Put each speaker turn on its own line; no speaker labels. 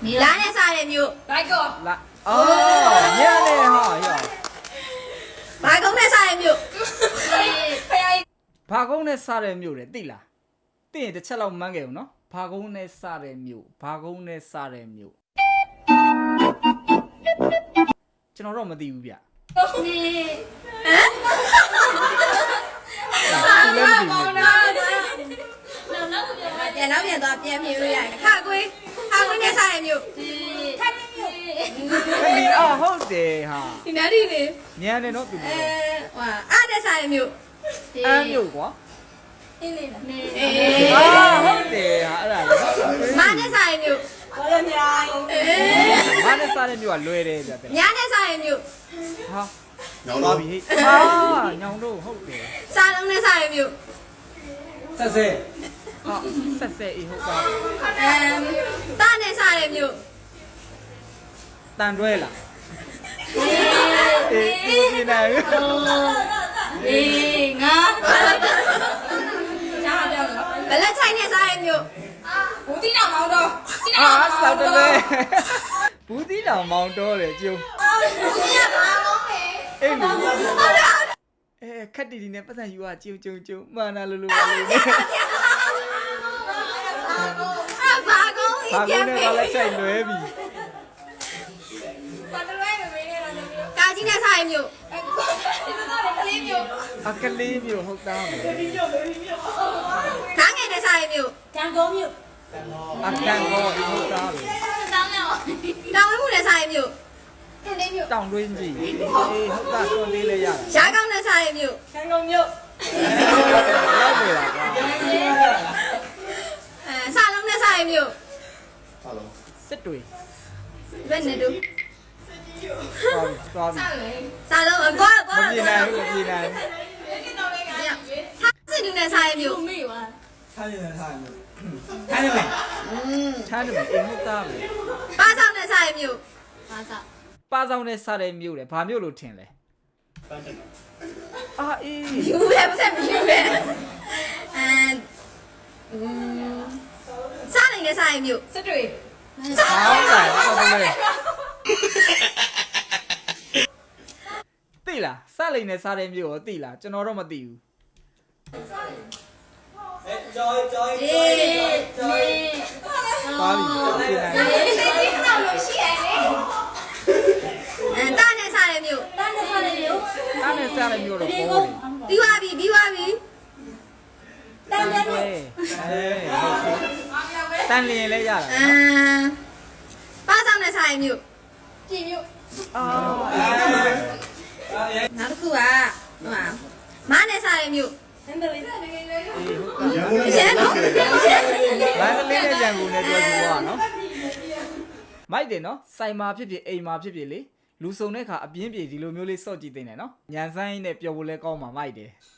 လာနဲ့စားတဲ့မြို့
လိုက်ကော
လာအော်ညနေဟာရော
ဘာကုန်းနဲ့စားတဲ့မြို့
ဖယား
ဘာကုန်းနဲ့စားတဲ့မြို့လေသိလားသိရင်တစ်ချက်လောက်မှန်းခဲ့ဦးနော်ဘာကုန်းနဲ့စားတဲ့မြို့ဘာကုန်းနဲ့စားတဲ့မြို့ကျွန်တော်တော့မသိဘူးဗျသူလည်းမသိဘူး
ပြန်တော့ပြန်သွားပြန်ပြေးလို့ရတယ်ခါကွေးနဲ့စားတဲ့မြို့
ခက်နေမြို့
ခလီအော်ဟုတ်တယ်ဟာ
ဒီနားဒီလေ
ညံတယ်နော်သူတို့
ဟွာအားနဲ့စားတဲ့မြို့
အမ်းမြို့ကွာ
အင်းလေးလား
အာဟုတ်တယ်ဟာအဲ့ဒါလေ
မနဲ့စားတဲ့မြို့
ဘာလဲမြိုင်
ဘာနဲ့စားတဲ့မြို့ကလွယ်တယ်ဗျတဲ့
ညနဲ့စားတဲ့မြို့
ဟာ
ညောင်
သွား
တော့
ပြီဟေ့ဟာညောင်တို့ဟုတ်တယ်
စားလုံးနဲ့စားတဲ့မြို့
ဆက်ဆက်
ဟာဆက်ဆက်အေးဟုတ်ပါ
တာနဲ့စားတဲ့မြို့
တန်တွဲလားအေးဒီနေ
အေးငါရှားပြောလို့
ဘလက်ချိုင်နဲ့စားတဲ့မြို့
ဘူးတိနာမောင်းတော့
အာဆောက်တယ်ဘူးတီလောင်မောင်တော်တယ်ကျုံ
ဘူးရပါမောင်းမယ်
အေးလူ
ဟုတ်တယ်
ခက်တီတီနဲ့ပတ်စံယူอ่ะကျုံကျုံကျုံမှန်တာလို့လို့ပါလို့
ဘာကုန်း
ဘာ
ကြီး
ကု
ပြန်
န်းနဲ့
ပြေး
ဘာလဲချိုက်လွဲပြီ
ဘာတလွဲမမေးနေတော့နေမြို့
ကာကြီးနဲ့စားတဲ့မြို့
ကလေးမြို့
အကလေးမျိုးဟုတ်သားမယ်
ဓာငယ်နဲ့စားတဲ့မြို့
တန်ကုန်မြို့
အကန်ကောဟုတ်သားပဲ
တောင်းရောက်
တောင်ဝဲမှုနဲ့စားတဲ့မြို့
ကလေးမြို့
တောင်တွင်းကြီးအေးဟုတ်သားစွန်လေးလဲရတာ
ရှားကောင်းနဲ့စားတဲ့မြို့
တန်ကုန်မြို့
လောက်နေတာကွာ
စားလုံးနဲ့စားတဲ့မြို့
ဟာလုံး
စစ်တွေ
ဘယ်နဲ့တို့
သွားပြီ
စားလုံးအကွာ
မပြေနိုင်ဘူးမပြေနိုင်
ထားစစ်တူနဲ့စားတဲ့မြို့
မေးပါ
ထားနေတယ်ထားနေထားနေမယ်
ချမ်းတယ်အေးဟုတ်သားပဲ
ပါဆောင်နဲ့စားတဲ့မြို့
ဘာသာ
ပါဆောင်နဲ့စားတဲ့မြို့လေဘာမြို့လို့ထင်လဲအာအေး
ယူပဲမဆက်မယူပဲစားနေနဲ့စားတဲ့မြို့
စစ်တွေ
ဟုတ်တယ်ဟုတ်တယ်သိလားစလိန်နဲ့စားတဲ့မြို့ကိုသိလားကျွန်တော်တော့မသိဘူး
အေး
သွားပြီပြေနိုင်
ဒီကတော့လို့ရှိရလေ
တာနဲ့စားတဲ့မြို့
တန်းနေစားနေမြို့
အားနဲ့စားတဲ့မြို့တော့ပေါ်တယ်
ပြီးသွားပြီပြီးသွားပြီ
တန်းနေမြို့
တန်လျင်လည်းရတာ
ပါဆောင်နဲ့စားတဲ့မြို့
ကြည်မြို့
အာ
နောက်တစ်ခုကဟိုမနဲ့စားတဲ့မြို့
ဟန်ဒလီနေနေနေ
အေးဟုတ်
ရန်ကုန်
ကျန်တော့
မန္တလေးနဲ့ရန်ကုန်နဲ့ပြောကြည့်ပါနော်မိုက်တယ်နော်စိုင်မာဖြစ်ဖြစ်အိမ်မာဖြစ်ဖြစ်လေလူစုံတဲ့ခါအပြင်းပြေဒီလိုမျိုးလေးစော့ကြည့်သိနေနော်ညံဆိုင်နဲ့ပျော်ဖို့လဲကောင်းမှာမိုက်တယ်